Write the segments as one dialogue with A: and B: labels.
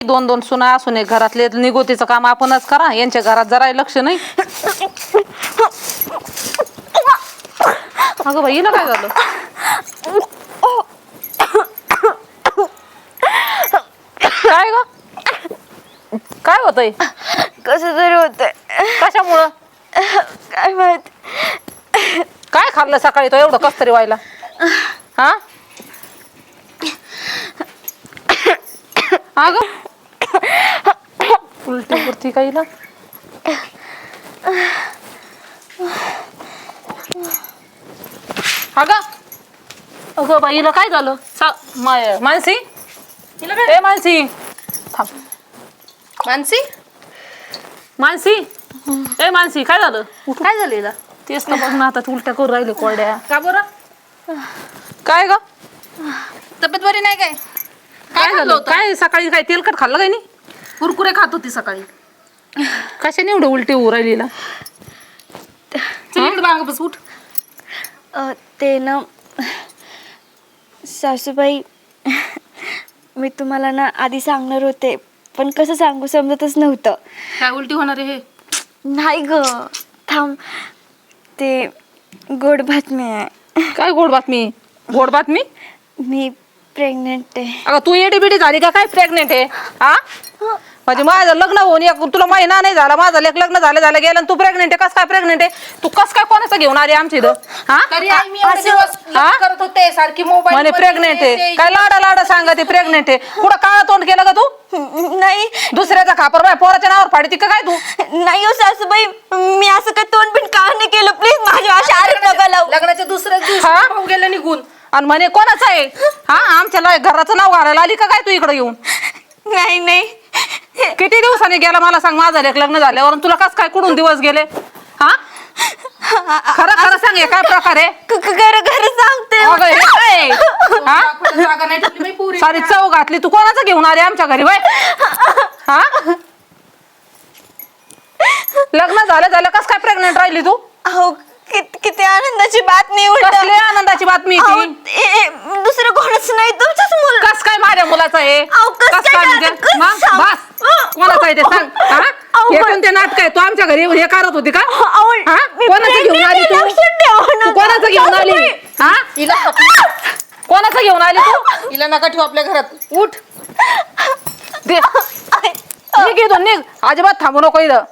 A: दोन दोन सुना असून एक घरातले निगोतीचं काम आपणच करा. यांच्या घरात जरा लक्ष नाही. अगं बाई, हिला काय झालं? काय ग? काय होतंय?
B: कसं तरी होतंय.
A: कशामुळं?
B: काय माहित.
A: काय खाल्लं सकाळी तो एवढं कस तरी व्हायला? हा अगं उलटी पुरती काहीला. अगं अगं बाईला काय झालं? मानसी, ए मानसी थांब.
C: मानसी
A: मानसी, ए मानसी, काय झालं? काय झालं हिला? तेच तर बघ ना, आता उलट्या करून राहिले कोरड्या.
C: का बरं?
A: काय ग?
C: तब्येत बरी नाही काय?
A: काय झालं? काय सकाळी काय तेलकट खाल्लं काय नाही?
C: कुरकुरे खात होती सकाळी.
A: कशाने एवढं उलटी होऊ राहिलीला?
C: चल इकडे बांग बस, उठ.
B: ते ना सासूबाई, मी तुम्हाला ना आधी सांगणार होते, पण कसं सांगू समजतच नव्हतं.
C: काय उलटी होणार आहे हे?
B: नाही ग, थांब. ते गोड बातमी आहे.
A: काय गोड बातमी? गोड बातमी?
B: मी प्रेग्नेंट आहे.
A: अगं तू एडी बिडी झाली का काय? प्रेग्नेंट आहे? हा म्हणजे माझं लग्न होऊन तुला महिना नाही झाला, माझं लग्न झालं गेलं आणि तू प्रेग्नेंट आहे. कस काय प्रेग्नेंट आहे? तू कस काय कोणाचं घेऊन आली आमच्या इथं? हा
C: तरी आई मी एवढे दिवस लग्न करत होते, सारखी मोबाईल
A: म्हणे प्रेग्नेंट आहे. काय लाडा लाडा सांगा ते प्रेग्नेंट आहे. कुठं काळा तोंड केलं का तू?
B: नाही
A: दुसऱ्याचा खापर बाय पोराच्या नावावर फाडी का काय तू?
B: नाही हो सासूबाई, मी असं काय तोंड बिन का नाही केलं. प्लीज माझ्या अशा आरोप नका लावू.
C: लग्नाच्या दुसऱ्याच दिवशी
A: हा?
C: भाऊ गेला निघून.
A: आणि म्हणे कोणाचं आहे? हा आमच्या घराचं नाव घालायला आली का काय तू इकडे येऊन?
B: नाही नाही,
A: किती दिवसांनी गेला मला सांग माझं लग्न झाल्यावर? तुला कस काय कुठून दिवस गेले? हा खरं खरं सांग, हे काय प्रकार आहे?
B: खरं सांगते.
A: अगं, हे काय? हा?
C: कुठं जागा नाही ठेवली बाई पुरी.
A: सारी चव घातली. तू कोणाचं घेऊन आली आमच्या घरी बाय? हा लग्न झालं कस काय प्रेग्नेंट राहिली तू?
B: अहो, किती आनंदाची बातमी.
A: कसली आनंदाची बातमी ती?
B: दुसरं कोणच नाही, तुमचंच मुल.
A: कस काय माझ्या मुलाचं आहे?
B: अहो, कसं
A: कस
B: काय
A: काय म्हणजे?
B: कसं
A: मग
B: सांग?
A: बस, कोणाचं आहे ते सांग. हा
B: अहो,
A: हे कोणते नाटक आहे? तू आमच्या घरी हे करत होती का?
B: अहो,
A: हा
B: मी
A: कोणाचं घेऊन आली तू?
B: लक्षात ठेवा ना.
A: तू कोणाचं घेऊन आली? हा
C: हिला
A: कोणाचं घेऊन आली तू?
C: हिला नका ठेवू आपल्या घरात. उठ.
A: दे निघ इथून, निघ. अजिबात थांबू नको इथं.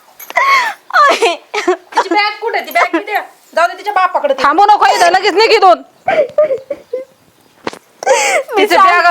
C: तिची बॅग कुठे? ती बॅग द्या. जाऊ दे तिच्या बापाकडे.
A: थांबू नको इथं, लगेच निघ इथून. तिचे बॅग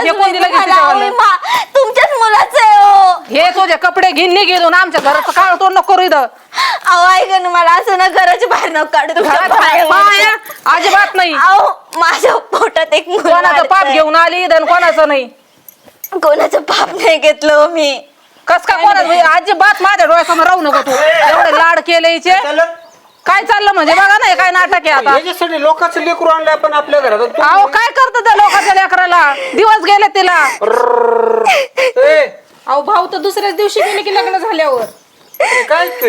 B: तुमच्याच मुलाचं आहे हो.
A: हे तुझे कपडे घेऊन निघ इथून. आमच्या घराचं काळ तोंड नको करू इथं.
B: अहो ऐका ना, मला असं ना घराच्या बाहेर नको काढू. तुमच्या
A: पाया अजिबात नाही.
B: अहो, माझ्या पोटात एक मुलगा
A: कोणाचं पाप
B: आहे.
A: घेऊन आली इथं, कोणाचं नाही.
B: कोणाचं पाप नाही घेतलं हो मी.
A: कस काय कोणाचं? अजिबात माझ्या डोळ्यासमोर राहू नको तू. एवढे लाड केले हिचे. काय चाललं म्हणजे? बघा ना, हे काय नाटक आहे आता.
D: याच्यासाठी लोकांचं लेकरू आणलं आपण आपल्या घरात.
A: अहो काय करत त्या लोकांच्या लेकराला? दिवस गेले तिला.
C: अहो भाऊ तर दुसऱ्याच दिवशी गेले की लग्न झाल्यावर.
D: काय ते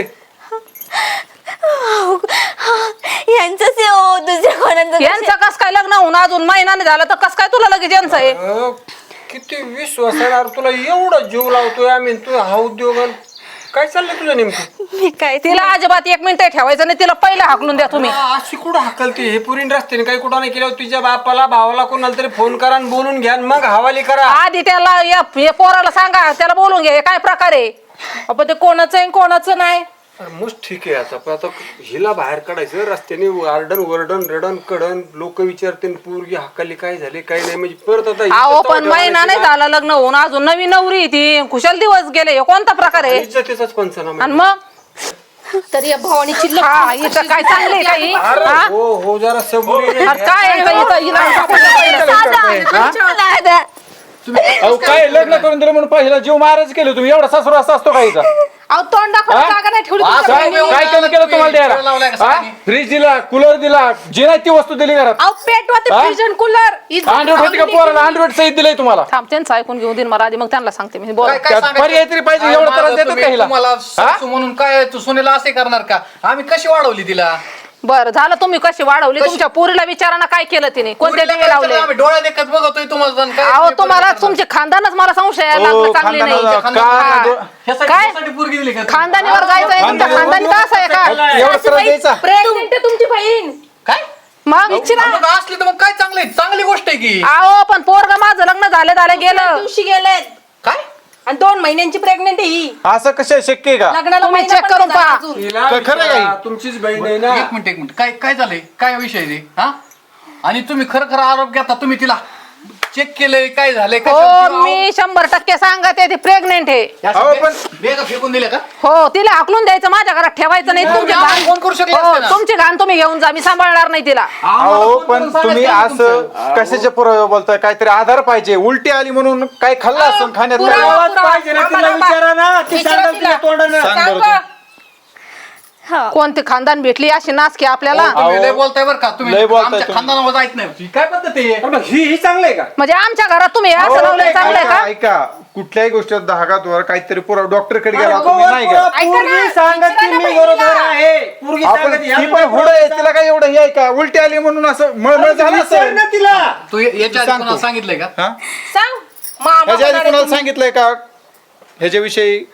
B: यांचंच आहे हो, दुसऱ्या कोणाचं
A: यांचं कस काय लग्न होऊन अजून महिना नाही झाला तर कस काय तुला लगेच यांचं आहे?
D: किती विश्वास आहे तुला, एवढा जीव लावतोय आम्ही. तू हा उद्योग काय चाललंय तुझं नेमकं?
B: मी काय
A: तिला अजिबात एक मिनिट ठेवायचं नाही. तिला पहिला हाकलून द्या तुम्ही.
D: अशी कुठं हाकलते? हे पुरीन रस्त्याने काही कुठं नाही केलं. तुझ्या बापाला भावाला कोणाला तरी फोन करा आणि बोलून घ्या आणि मग हवाली करा.
A: आधी त्याला हे पोराला सांगा, त्याला बोलून घ्या हे काय प्रकार आहे.
C: आपण ते कोणाचं आहे कोणाचं नाही.
D: मस्त ठीक आहे. आता हिला बाहेर काढायचं रस्त्याने, वरडन रडन कडन, लोक विचारते पोरगी हाकाली काय झाले काय नाही. म्हणजे परत आता
A: अहो पण महिना नाही झाला लग्न होऊन, अजून नवीन नवरी ती. खुशाल दिवस गेले. हे कोणता प्रकार आहे?
D: इज्जतीचाच पंचनामा.
A: आणि मग
C: तरी या भावानीची
A: हा इथं काय चांगले काही? हा?
D: हो जरा सबुरी.
A: अरे काय आहे का इथं?
E: अहो काय लग्न करून दिलं म्हणून पहिला जीव महाराज केलं तुम्ही? एवढा सासरू असा असतो काही?
C: अहो तोंड दाखवा, जागा नाही ठेवली तुमच्या
E: काय
C: बहिणीने.
E: केलं तुम्हाला द्यायला? फ्रीज दिला, कूलर दिला, जी नाही ती वस्तू दिली घरात.
C: अहो पेटवा ते फ्रीज आणि कूलर.
E: अँड्रॉइड होती का पोराला? अँड्रॉइड सहित दिलंय तुम्हाला.
A: थांब, त्यांचं ऐकून घेऊन देईन मला आधी, मग त्यांना सांगते मी. बोल.
E: पर्याय तरी पाहिजे. एवढा त्रास देतात का हिला?
F: तुम्हाला सासू म्हणून काय तू सुनेला असे करणार का? आम्ही कशी वाढवली तिला?
A: बरं झालं तुम्ही कशी वाढवली तुमच्या पोरीला विचाराना काय केलं तिने कोणते डबे लावले
F: आम्ही डोळ्या देखत बघतोय तुम्हाला काय
A: अहो तुम्हाला तुमचे खानदानच मला संशय यायला लागला चांगली नाही हा. काय
F: पोरगी दिली का
A: खानदानीवर जायचं आहे तुमच्या खानदानी का असं आहे का
E: एवढं त्रास द्यायचा
C: प्रेग्नेंट आहे तुमची बहीण.
F: काय
A: मग इच्छी ना
F: मग असली तर मग काय चांगली गोष्ट आहे की
A: अहो पण पोरग माझं लग्न झालं गेलं
C: दिवशी गेलेत
F: काय
C: आणि 2 महिन्यांची प्रेग्नेंट आहे ही.
E: असं कसं शक्य आहे का
C: लग्नाला
A: तुम्ही
C: महिना
A: check
C: पण
A: करून
C: नाही झाला
A: पहा.
C: अजून.
D: हिला
E: खरं आहे
D: विचारा, तुमचीच बहीण आहे ना.
F: एक मिनिट काय झालंय काय विषय आहे ते हा आणि तुम्ही खरं आरोप घेता तुम्ही तिला चेक केलंय काय झालंय
A: हो मी 100% सांगते ती प्रेग्नेंट आहे
E: अहो, पण
F: बेगा फेकून दिले का
A: हो तिला हाकलून द्यायचं माझ्या घरात ठेवायचं नाही तुमची
F: आम्हाला
A: घाण
F: फोन करू शकले
A: हो
F: असते ना.
A: तुमची घाण तुम्ही घेऊन जा मी सांभाळणार नाही तिला
E: अहो पण तुम्ही असं कशाचे पुरावे बोलताय काहीतरी आधार पाहिजे उलटी आली म्हणून काय खाल्लं असं खाण्यात नाही.
C: पुरावा,
D: आवाज पाहिजे ना तिला विचारा ना ती
C: विचारा
D: सांगेल
C: तिला.
D: तुझ्या तोंडानं.
E: सांग
C: सांग
E: बरं
C: बा.
B: हा
A: कोणती खानदान भेटली अशी नाच की आपल्याला
F: तुम्ही लय बोलताय बरं का तुम्ही
E: लय बोलताय
F: आमच्या
E: तुम्ही.
F: खानदानावर जायच नाही काय पद्धत आहे
D: अरे मग ही चांगलं आहे का
A: म्हणजे आमच्या घरात तुम्ही
E: अहो,
A: असं लावलंय चांगलंय
E: ऐका
A: का
E: ऐका. कुठल्याही गोष्टीत धागातवर काहीतरी पुरावा डॉक्टरकडे गेला तुम्ही नाही
D: पोरं,
E: का
D: पोरगी सांगत की मी बरोबर आहे पोरगी
E: आपण
D: सांगत
E: ती पण हुड आहे तिला काय एवढं हे आहे का उलटी आली म्हणून असं मळमळ झालं
D: विचार
E: असेल
D: ना तिला
F: तू याच्या आधी
E: सांगतो.
F: कोणाला सांगितलंय का
E: हा?
C: सांग मामा
E: ह्याच्या आधी
C: म्हणाले
E: कुणाला
C: तुम्ही.
E: सांगितलंय का ह्याच्याविषयी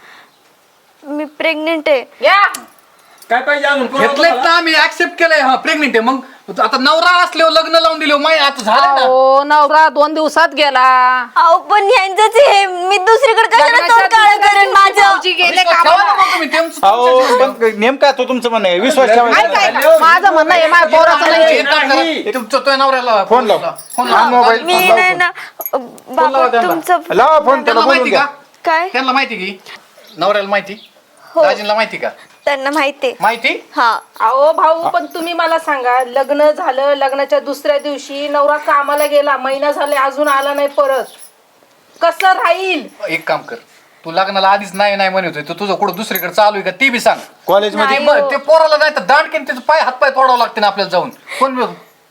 B: मी प्रेग्नेंट आहे
C: या
D: काय पाहिजे अजून
F: घेतलंय ना आम्ही ऍक्सेप्ट केलंय हा प्रेग्नेंट आहे मग आता नवरा असल्यावर लग्न लावून दिले माहिती आता झालं ना
A: हो नवरा 2 दिवसात गेला
B: अहो पण ह्यांचंच हे मी दुसरीकडे कशाला
C: लग्नाच्या
B: तोंड काळं
C: दुसऱ्या
B: करेन
C: दिवशी
B: माझं
C: भाऊजी गेले
F: विश्वास
C: कामाला.
F: ठेवा ना मग तुम्ही तुमचं-
E: अहो पण नेमका तो तुमचं म्हणणं आहे विश्वास ठेवायचा
A: ऐका
E: नाही.
A: ऐका माझं म्हणणं आहे माझ्या पोराचं नाही
F: तुमचं तो नवऱ्याला
E: फोन लाव.
F: फोन
E: हा,
F: लाव.
E: मोबाईल.
B: मी
E: लाव
B: नाही
E: फोन.
B: ना बाबा
F: त्यांना.
B: तुमचं
E: लावा फोन त्याला
F: त्यांना
E: बोलून
F: माहिती
E: घ्या
F: का
B: काय
F: त्यांना माहिती की नवऱ्याला माहिती
B: हो.
F: दाजींना माहिती का
B: त्यांना माहिती
F: माहिती
B: हा
C: अहो भाऊ पण तुम्ही मला सांगा लग्न झालं लग्नाच्या दुसऱ्या दिवशी नवरा कामाला गेला महिना झाले अजून आला नाही परत कसं राहील
F: एक काम कर तू लग्नाला आधीच नाही म्हणत होती तुझं कुठं दुसरीकडे चालू आहे का ती बी सांग
E: कॉलेजमध्ये
F: ते पोराला नाही तर दांडकेन त्याचं पाय हातपाय तोडावं लागते ना आपल्याला जाऊन कोण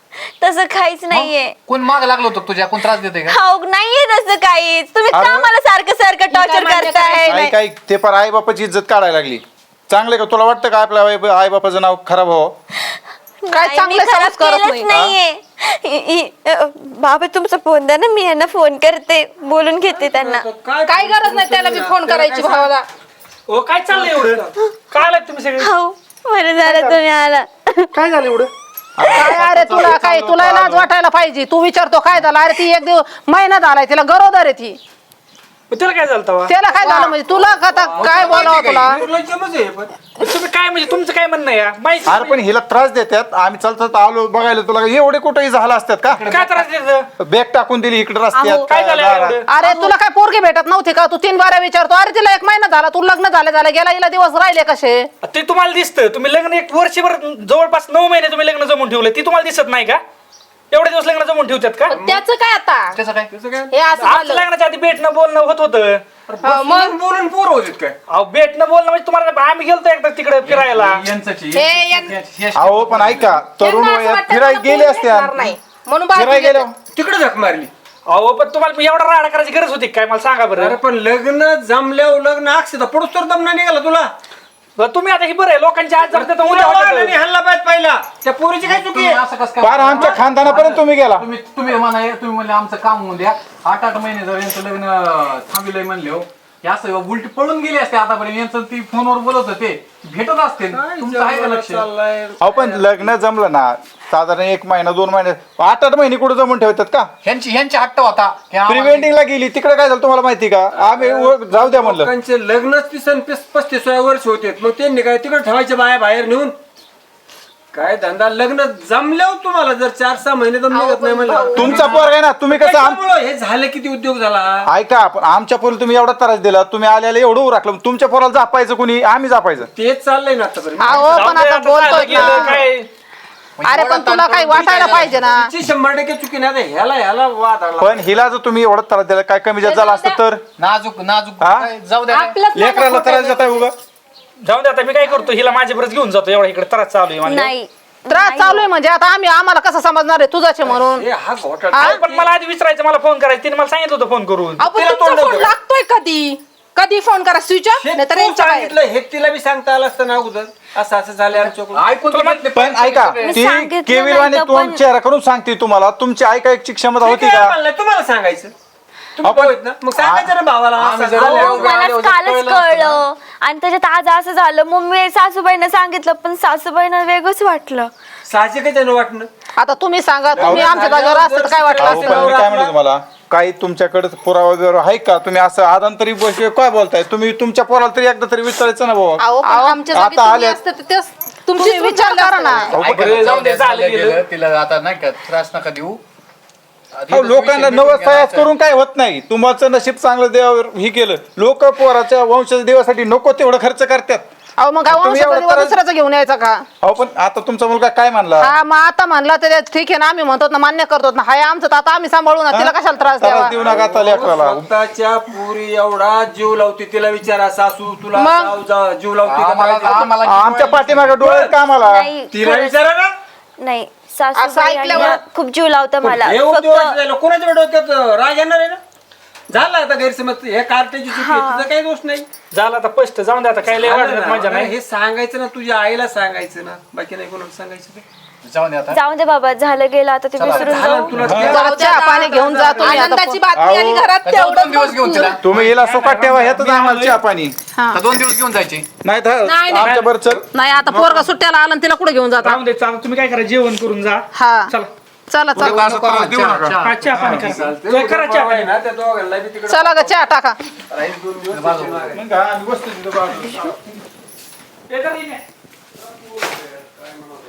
B: तसं काहीच नाहीये
F: कोण माग लागलो होतं तुझ्या कोण त्रास देते का
B: हो नाहीये तसं काहीच तुम्ही का
E: अरे.
B: मला सारखं सारखं टॉर्चर करताय
E: आई काय ते पण आई बापाची इज्जत काढायला लागली चांगले का तुला वाटतं का आपल्या आई बापाचं नाव खराब हो
A: काय
B: नाही,
A: चांगलं
B: मी खराब
A: संस्कारच
B: केलंच
A: नाही.
B: नाहीये बाबा तुमचा फोन द्या ना मी यांना फोन करते बोलून घेते त्यांना
C: काय गरज नाही त्याला मी फोन करायची भावाला
G: ओ काय चाललंय एवढं काय आलात तुम्ही सगळे
B: हो बरं झालं तुम्ही आला
G: काय झालं एवढं
A: काय अरे तुला लाज वाटायला पाहिजे तू विचारतो काय झालं अरे ती एक दिवस महिना झालाय तिला गरोदर आहे ती
G: मग त्याला काय झालं तेव्हा?
A: त्याला काय झालं म्हणजे तुला आता काय बोलावं तुला
D: निर्लज्जमच आहे पण
G: तुम्ही काय म्हणजे तुमचं काय म्हणणं आहे या? माहिती
E: अरे पण हिला त्रास देतात आम्ही चालतात आलो बघायला तुला एवढे कुठेही झाला असतात का
G: काय त्रास देतं?
E: बॅग टाकून दिली इकडे
B: अहो,
E: रस्त्यात
G: काय झालं
E: दारात.
G: एवढं?
A: अरे तुला काय पोरगी भेटत नव्हती का तू 3 बाऱ्या विचारतो अरे तिला 1 महिना झाला तू लग्न झालं गेला हिला दिवस राहिले कसे
G: ते तुम्हाला दिसतं तुम्ही लग्न 1 वर्षभर जवळपास 9 महिने तुम्ही लग्न जमून ठेवलं ती तुम्हाला दिसत नाही का एवढे दिवस लग्न जमून ठेवतात का
C: त्याचं काय आता
F: त्याचं काय
C: हे असं
G: आमचं
C: झालं
G: लग्नाच्या आधी भेटणं बोलणं होत होतं
C: मग
D: बोलून पोर होते काय
G: अहो भेटणं बोलणं म्हणजे तुम्हाला आम्ही गेलतो एकदा तिकडे फिरायला
C: हे यांना
E: अहो पण ऐका तरुण
C: असं
E: वयात
C: वाटतं
E: फिरायला
C: मला
E: गेले
C: कोण
E: असते
C: भेटणार नाही. म्हणून
E: फिरायला
C: बाकी
E: गेलो
D: तिकडे झक मारली
G: अहो पण तुम्हाला मी एवढा राडा करायची गरज होती काय मला सांगा बरं
D: अरे पण लग्न जमल्यावर लग्न अक्षता पडूस तर दमना निघाला तुला
G: बरं, तुम्ही आता ही बरं आहे लोकांच्या आज जमते तर उद्या
D: वाढलं
G: होतं.
D: हल्ला पाहिजे पहिला त्या पोरीची काय चुकी आहे
F: असं कसं काय
E: पार आमच्या खानदानापर्यंत तुम्ही गेला
F: तुम्ही म्हणले आमचं काम होऊन द्या 8 महिने जर यांचं लग्न थांबिलंय म्हणले हो हे असं उलटी पळून गेले असते आतापर्यंत यांचं ती फोनवर बोलत होते भेटत असते तुमचं आहे का लक्ष
E: अहो पण लग्न जमलं ना साधारण 1 महिना 2 महिने 8 महिने कुठे जमून ठेवतात का
F: ह्यांची हट्ट होता की
E: प्री
F: आम्हाला-
E: वेडिंगला गेली तिकडे काय झालं तुम्हाला माहिती का आम्ही जाऊ द्या म्हणलं
D: लोकांचे लग्नच 35-36 वर्ष होते मग त्यांनी काय तिकडे ठेवायचे बाया बाहेर नेऊन काय धंदा लग्न जमल्यावर तुम्हाला जर 4-6 महिने तर निघत नाही म्हणलं
E: तुमचा पोर आहे ना तुम्ही कसं
D: त्याच्यामुळं हे झालं किती उद्योग झाला
E: ऐका आपण आमच्या पोरी तुम्ही एवढा त्रास दिला तुम्ही आल्याला एवढं राखलं तुमच्या पोराला जापायचं कुणी आम्ही जापायचं
D: तेच चाललंय ना आतापर्यंत
A: अहो
G: जाऊ
A: पण
G: दे,
A: आता
G: आता
A: बोलतोय
G: झालं गेलं,
A: ना
G: काय
A: अरे पण तुला काही वाटायला पाहिजे ना
D: तिची 100% चुकी नाही आता ह्याला वाद आला
E: पण हिला जर तुम्ही एवढा त्रास दिला काय कमी जास्त झाला असतं तर
F: नाजूक
E: हा?
F: काय, जाऊ द्या
C: आपलंच लग्न
E: लेकराला
C: खोटं
E: त्रास देत आहे उगा
G: जाऊन दे आता मी काय करतो हिला माझ्या बरंच घेऊन जातो एवढा इकडे त्रास चालू आहे मला
B: नाही
A: त्रास चालू आहे म्हणजे आता आम्हाला कसं समजणार आहे तुझाचे म्हणून
D: हे हा घोटाळा
G: अहो, पण मला आधी विचारायचं मला फोन करायचं तिने मला सांगितलं होतं फोन करून
C: आपण तुमचा फोन लागतोय कधी कधी फोन करा स्विच ऑफ
D: हे
C: नाही तर
D: तू
C: यांच्या बाहेर.
D: सांगितलं हे तिला बी सांगता आलं असतं ना अगोदर असं असं झालं आमच्याकडून.
F: ऐकून तर घेतले
E: पण ऐका
B: मी
E: ती
B: सांगितलं
E: केविलवाणी
B: नाही तर
E: तोंड
B: पण-
E: चेहरा करून सांगते तुम्हाला तुमची ऐकायची क्षमता
D: मी
E: होती
D: काय
E: का
D: म्हणलं, तुम्हाला सांगायचं तुम्ही
E: आपण-
D: भाऊ आहेत ना मग सांगायचं ना भावाला
F: आम्ही
D: असं
F: जरा
D: झालं.
B: अहो,
F: एवढं आले
B: मला
F: होते,
B: कालच
F: कळलं असतं
B: कळलं आणि त्याच्यात आज असं झालं मम्मी सासूबाईंना सांगितलं पण सासूबाईंना वेगळंच वाटलं.
D: साहजिकच आहे ना वाटणं.
A: आता तुम्ही सांगा तुम्ही आमच्या जागेवर असतं तर काय वाटलं
E: अहो,
A: असेल?
E: पण मी काय म्हणतो तुम्हाला काही तुमच्याकडे पुरावा वगैरे आहे का तुम्ही असं आदांतरी काय बोलताय तुम्ही तुमच्या पोराला तरी एकदा तरी विचारायचं ना बाबा
C: अहो पण आमच्या जागी
E: आता
C: तुम्ही
E: आल्या-
C: असते तर तेच तुमची
A: तुम्ही विचार करा ना.
F: बरं, जाऊ दे,
G: झालं
F: झालं
G: गेलं.
F: गेलं. तिला आता नाही का त्रास नका देऊ आधी
E: अहो,
F: तर
E: लोकांना
F: विषय
E: नवस
F: मिटून
E: तयास
F: घ्यायचा.
E: करून काय होत नाही तुमचं नशीब चांगलं देवावर हे केलं लोक पोराच्या वंशाच्या देवासाठी नको तेवढं खर्च करतात
A: अहो मग काय
E: तुम्ही एवढं
A: वंशाचा
E: त्रास-
A: दुसऱ्याचं घेऊन यायचा का?
E: अहो पण आता तुमचा मुलगा काय म्हणला
A: हा मग आता म्हणला तर ठीक आहे ना आम्ही म्हणतो ना मान्य करतो ना हाय आमचं तर आता आम्ही सांभाळू ना तिला कशाला त्रास द्यावा?
E: देऊ नका आता लेकराला
D: स्वतःच्या पुरी एवढा जीव लावते तिला विचारा सासू तुला
A: मग?
D: जीव लावते का
F: आम्हाला
D: काय?
F: आम्हाला
E: आमच्या पाठीमागे डोळे कामाला
B: नाही
D: तिला
B: खरंच-
D: विचारा ना.
B: नाही
C: असं
B: सासूबाई
C: ऐकल्यावर-
B: आणि खूप जीव लावता मला
D: हे
B: फक्त
D: उद्योगाचं झालं कोणाच्या डोक्यात राग येणार आहे ना झाला आता गैरसमज हे कार्टेची चुकी आहे, तुझा काही दोष नाही.
G: झालं आता स्पष्ट जाऊन दे आता काय लय
D: झालं
G: वाढत
D: ना.
G: माझ्या नाही
D: हे सांगायचं ना तुझ्या आईला सांगायचं ना बाकी नाही कोणाला सांगायचं ते.
F: जाऊन दे आता
B: जाऊन दे बाबा झालं गेलं आता ते विसरून
D: झालं
B: जाऊ
D: तुला
A: जरा चहा पाणी घेऊन जा तुम्ही आता.
C: आनंदाची बातमी आली घरात
F: जाऊ 2
C: तेवढं
F: दिवस घेऊन तिला
E: तुम्ही हिला सुखात ठेवा ह्यातच आम्हाला चहा पाणी
F: का 2 दिवस घेऊन जायचे
E: नाही तर
C: नाही.
E: आमच्या बरं चल
A: नाही आता पोरगा सुट्ट्याला आला आणि तिला कुठे घेऊन जाता?
G: राहून दे चालू तुम्ही काय करा जेवण करून जा
A: हा
G: चला
A: चला चला
F: उद्या असं त्रास देऊ नका.
G: हा, चहा पाणी करा
D: चालतंय.
G: जय करा चहा पाणी
D: ना त्या दोघांना बी तिकडे
A: चला ग चहा टाका.
D: राहील 2 दिवस
E: मग आम्ही बसतो तिथं बाजूला.
G: ते तर नाही.